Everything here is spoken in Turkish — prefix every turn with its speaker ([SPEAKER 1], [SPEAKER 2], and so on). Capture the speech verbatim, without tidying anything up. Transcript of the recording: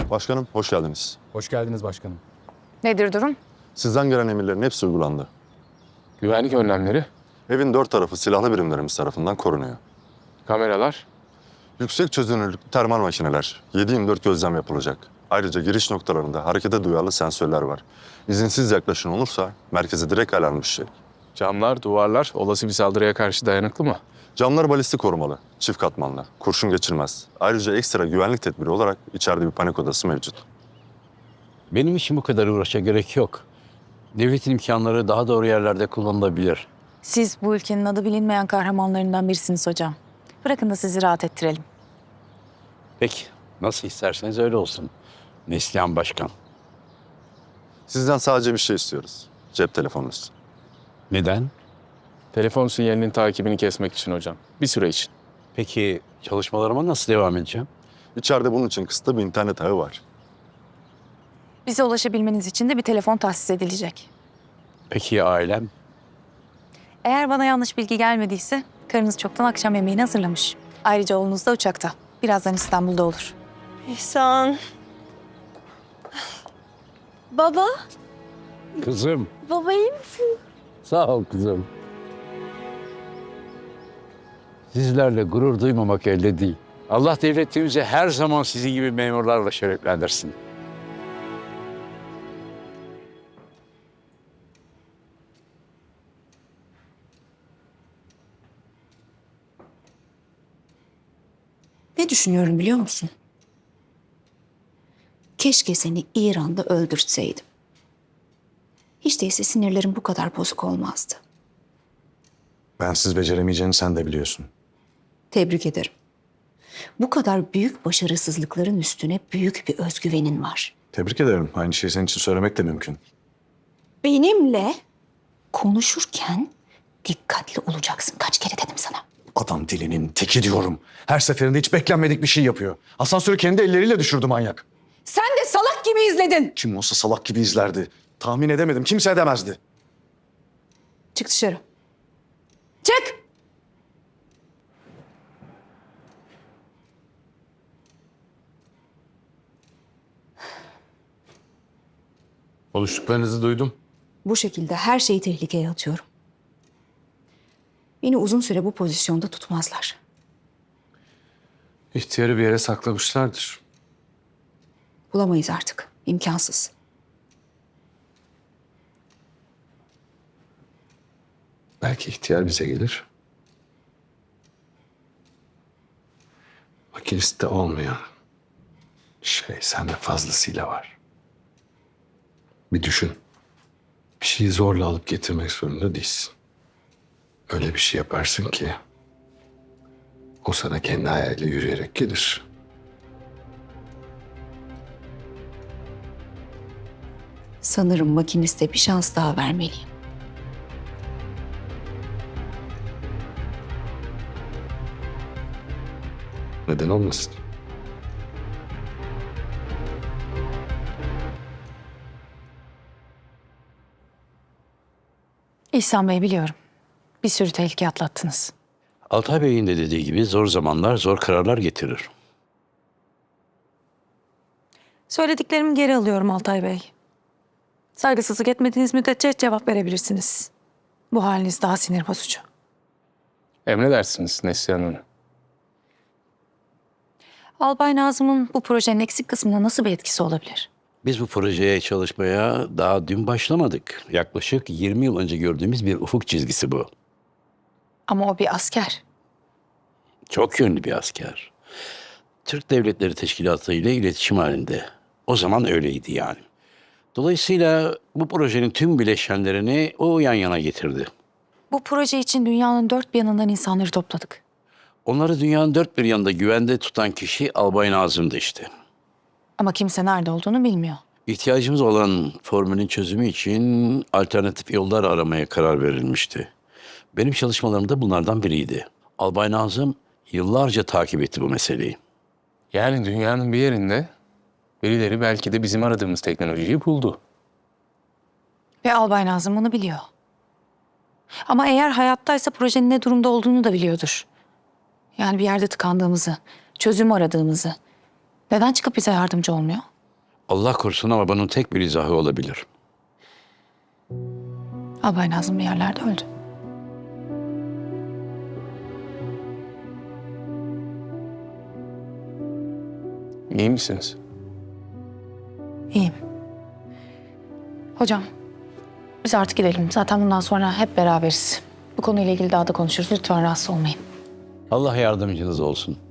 [SPEAKER 1] Başkanım, hoş geldiniz.
[SPEAKER 2] Hoş geldiniz başkanım.
[SPEAKER 3] Nedir durum?
[SPEAKER 1] Sizden gelen emirlerin hepsi uygulandı.
[SPEAKER 2] Güvenlik önlemleri,
[SPEAKER 1] Evin dört tarafı silahlı birimlerimiz tarafından korunuyor.
[SPEAKER 2] kameralar,
[SPEAKER 1] Yüksek çözünürlüklü termal makineler, yedi yirmi dört gözlem yapılacak. Ayrıca giriş noktalarında harekete duyarlı sensörler var. İzinsiz yaklaşın olursa merkeze direkt alarm düşecek.
[SPEAKER 2] camlar, duvarlar olası bir saldırıya karşı dayanıklı mı?
[SPEAKER 1] Camlar balistik korumalı, çift katmanlı, kurşun geçirmez. Ayrıca ekstra güvenlik tedbiri olarak içeride bir panik odası mevcut.
[SPEAKER 4] Benim için bu kadar uğraşa gerek yok. Devletin imkanları daha doğru yerlerde kullanılabilir.
[SPEAKER 3] Siz bu ülkenin adı bilinmeyen kahramanlarından birisiniz hocam. Bırakın da sizi rahat ettirelim.
[SPEAKER 4] Peki, nasıl isterseniz öyle olsun. Neslihan Başkan.
[SPEAKER 1] Sizden sadece bir şey istiyoruz. Cep telefonunuz.
[SPEAKER 4] Neden?
[SPEAKER 2] Telefon sinyalinin takibini kesmek için hocam. Bir süre için.
[SPEAKER 4] Peki çalışmalarıma nasıl devam edeceğim?
[SPEAKER 1] İçeride bunun için kısıtlı bir internet ağı var.
[SPEAKER 3] Bize ulaşabilmeniz için de bir telefon tahsis edilecek.
[SPEAKER 4] Peki ya ailem?
[SPEAKER 3] Eğer bana yanlış bilgi gelmediyse karınız çoktan akşam yemeğini hazırlamış. Ayrıca oğlunuz da uçakta. Birazdan İstanbul'da olur.
[SPEAKER 5] İhsan. Baba,
[SPEAKER 4] Kızım.
[SPEAKER 5] baba iyi misin?
[SPEAKER 4] Sağ ol kızım. Sizlerle gurur duymamak elde değil. Allah devletimizi her zaman sizin gibi memurlarla şereflendirsin.
[SPEAKER 6] Ne düşünüyorum biliyor musun? Keşke seni İran'da öldürtseydim. Hiç değilse sinirlerim bu kadar bozuk olmazdı.
[SPEAKER 7] Bensiz beceremeyeceğini sen de biliyorsun.
[SPEAKER 6] Tebrik ederim. Bu kadar büyük başarısızlıkların üstüne büyük bir özgüvenin var.
[SPEAKER 7] Tebrik ederim. Aynı şeyi senin için söylemek de mümkün.
[SPEAKER 6] Benimle konuşurken dikkatli olacaksın. Kaç kere dedim sana.
[SPEAKER 7] Adam dilinin teki diyorum. Her seferinde hiç beklenmedik bir şey yapıyor. Asansörü kendi elleriyle düşürdü manyak.
[SPEAKER 6] Sen de salak gibi izledin.
[SPEAKER 7] Kim olsa salak gibi izlerdi. Tahmin edemedim. Kimse edemezdi.
[SPEAKER 6] Çık dışarı. Çık!
[SPEAKER 2] Konuştuklarınızı duydum.
[SPEAKER 6] Bu şekilde her şeyi tehlikeye atıyorum. Beni uzun süre bu pozisyonda tutmazlar.
[SPEAKER 2] İhtiyarı bir yere saklamışlardır.
[SPEAKER 6] Bulamayız artık. İmkansız.
[SPEAKER 8] Belki ihtiyar bize gelir. Makiniste olmayan şey sende fazlasıyla var. Bir düşün. Bir şeyi zorla alıp getirmek zorunda değilsin. Öyle bir şey yaparsın ki o sana kendi ayağıyla yürüyerek gelir.
[SPEAKER 6] Sanırım makiniste bir şans daha vermeliyim.
[SPEAKER 8] Neden olmasın?
[SPEAKER 3] İhsan Bey biliyorum. Bir sürü tehlike atlattınız.
[SPEAKER 4] Altay Bey'in de dediği gibi zor zamanlar zor kararlar getirir.
[SPEAKER 3] Söylediklerimi geri alıyorum Altay Bey. Saygısızlık etmediğiniz müddetçe cevap verebilirsiniz. Bu haliniz daha sinir bozucu.
[SPEAKER 2] Emredersiniz Neslihan Hanım.
[SPEAKER 3] Albay Nazım'ın bu projenin eksik kısmına nasıl bir etkisi olabilir?
[SPEAKER 4] Biz bu projeye çalışmaya daha dün başlamadık. Yaklaşık yirmi yıl önce gördüğümüz bir ufuk çizgisi bu.
[SPEAKER 3] Ama o bir asker.
[SPEAKER 4] Çok yönlü bir asker. Türk Devletleri Teşkilatı ile iletişim halinde. O zaman öyleydi yani. Dolayısıyla bu projenin tüm bileşenlerini o yan yana getirdi.
[SPEAKER 3] Bu proje için dünyanın dört bir yanından insanları topladık.
[SPEAKER 4] Onları dünyanın dört bir yanında güvende tutan kişi Albay Nazım'dı işte.
[SPEAKER 3] Ama kimse nerede olduğunu bilmiyor.
[SPEAKER 4] İhtiyacımız olan formülün çözümü için alternatif yollar aramaya karar verilmişti. Benim çalışmalarım da bunlardan biriydi. Albay Nazım yıllarca takip etti bu meseleyi.
[SPEAKER 2] Yani dünyanın bir yerinde birileri belki de bizim aradığımız teknolojiyi buldu.
[SPEAKER 3] Ve Albay Nazım bunu biliyor. Ama eğer hayattaysa projenin ne durumda olduğunu da biliyordur. Yani bir yerde tıkandığımızı, çözüm aradığımızı. Neden çıkıp bize yardımcı olmuyor?
[SPEAKER 4] Allah korusun ama bunun tek bir izahı olabilir.
[SPEAKER 3] Albay Nazım bir yerlerde öldü.
[SPEAKER 2] İyi misiniz?
[SPEAKER 3] İyiyim. Hocam, biz artık gidelim. Zaten bundan sonra hep beraberiz. Bu konuyla ilgili daha da konuşuruz. Lütfen rahatsız olmayın.
[SPEAKER 4] Allah yardımcınız olsun.